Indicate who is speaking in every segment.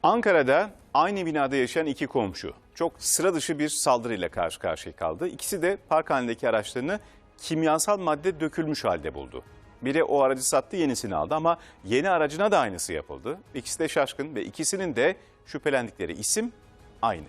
Speaker 1: Ankara'da aynı binada yaşayan iki komşu çok sıra dışı bir saldırıyla karşı karşıya kaldı. İkisi de park halindeki araçlarını kimyasal madde dökülmüş halde buldu. Biri o aracı sattı, yenisini aldı ama yeni aracına da aynısı yapıldı. İkisi de şaşkın ve ikisinin de şüphelendikleri isim aynı.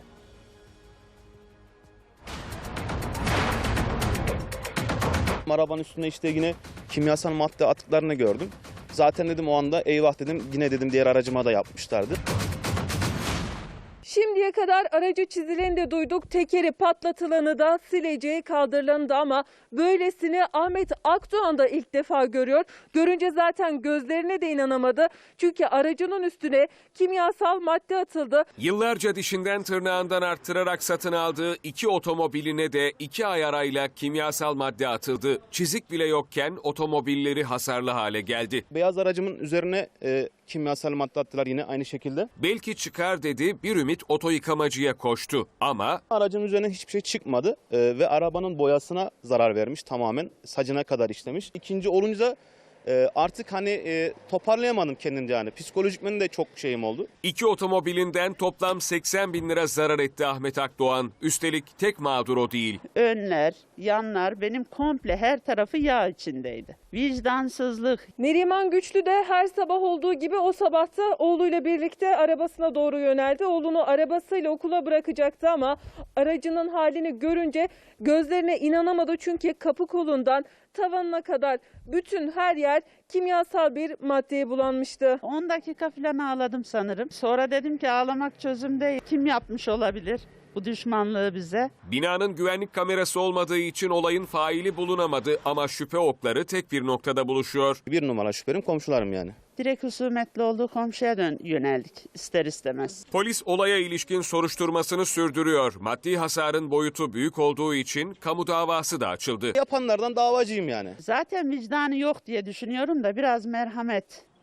Speaker 2: Arabanın üstünde işte yine kimyasal madde atıklarını gördüm. Zaten dedim o anda eyvah dedim, yine dedim diğer aracıma da yapmışlardı.
Speaker 3: Şimdiye kadar aracı çizileni de duyduk, tekeri patlatılanı da, sileceği kaldırılanı da ama böylesini Ahmet Akdoğan da ilk defa görüyor. Görünce zaten gözlerine de inanamadı. Çünkü aracının üstüne kimyasal madde atıldı.
Speaker 4: Yıllarca dişinden tırnağından arttırarak satın aldığı iki otomobiline de 2 ay arayla kimyasal madde atıldı. Çizik bile yokken otomobilleri hasarlı hale geldi.
Speaker 2: Beyaz aracımın üzerine kimyasal madde attılar yine aynı şekilde.
Speaker 4: Belki çıkar dedi, bir ümit oto yıkamacıya koştu ama
Speaker 2: Aracın üzerine hiçbir şey çıkmadı ve arabanın boyasına zarar vermiş, tamamen sacına kadar işlemiş. İkinci olunca artık toparlayamadım kendimce, yani psikolojikmen de çok şeyim oldu.
Speaker 4: iki otomobilinden toplam 80 bin lira zarar etti Ahmet Akdoğan. Üstelik tek mağdur o değil.
Speaker 5: Önler, yanlar benim komple her tarafı yağ içindeydi. Vicdansızlık.
Speaker 3: Neriman Güçlü de her sabah olduğu gibi o sabahta oğluyla birlikte arabasına doğru yöneldi. Oğlunu arabasıyla okula bırakacaktı ama aracının halini görünce gözlerine inanamadı. Çünkü kapı kolundan tavanına kadar bütün her yer kimyasal bir maddeye bulanmıştı.
Speaker 5: 10 dakika falan ağladım sanırım. Sonra dedim ki ağlamak çözüm değil. Kim yapmış olabilir bu düşmanlığı bize?
Speaker 4: Binanın güvenlik kamerası olmadığı için olayın faili bulunamadı ama şüphe okları tek bir noktada buluşuyor.
Speaker 2: Bir numara şüphelim komşularım yani.
Speaker 5: Direkt husumetli olduğu komşuya yöneldik ister istemez.
Speaker 4: Polis olaya ilişkin soruşturmasını sürdürüyor. Maddi hasarın boyutu büyük olduğu için kamu davası da açıldı.
Speaker 2: Yapanlardan davacıyım yani.
Speaker 5: Zaten vicdanı yok diye düşünüyorum da biraz merhamet